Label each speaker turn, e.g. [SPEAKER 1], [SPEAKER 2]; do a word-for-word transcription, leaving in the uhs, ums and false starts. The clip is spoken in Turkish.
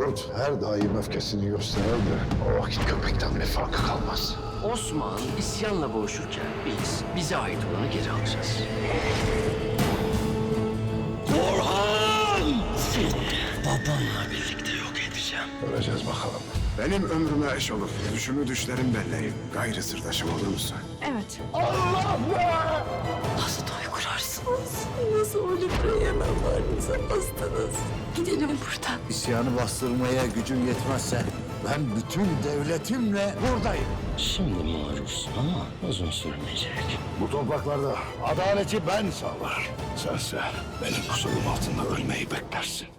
[SPEAKER 1] Kurt her daim öfkesini gösterir de o vakit köpekten bir farkı kalmaz.
[SPEAKER 2] Osman isyanla boğuşurken biz bize ait olanı geri alacağız. Orhan! Seni babamla birlikte yok edeceğim.
[SPEAKER 1] Göreceğiz bakalım.
[SPEAKER 3] Benim ömrüme eş olur. Düşümü düşlerim belleğim. Gayrı sırdaşım olur musun?
[SPEAKER 4] Evet.
[SPEAKER 5] Nasıl toy kurarsınız? Nasıl ölüp yanarlarınıza bastınız? Gidelim buradan.
[SPEAKER 6] İsyanı bastırmaya gücün yetmezse ben bütün devletimle buradayım.
[SPEAKER 2] Şimdi maruzsun ama uzun sürmeyecek.
[SPEAKER 1] Bu topraklarda adaleti ben sağlarım. Sense benim kusurum altında ölmeyi beklersin.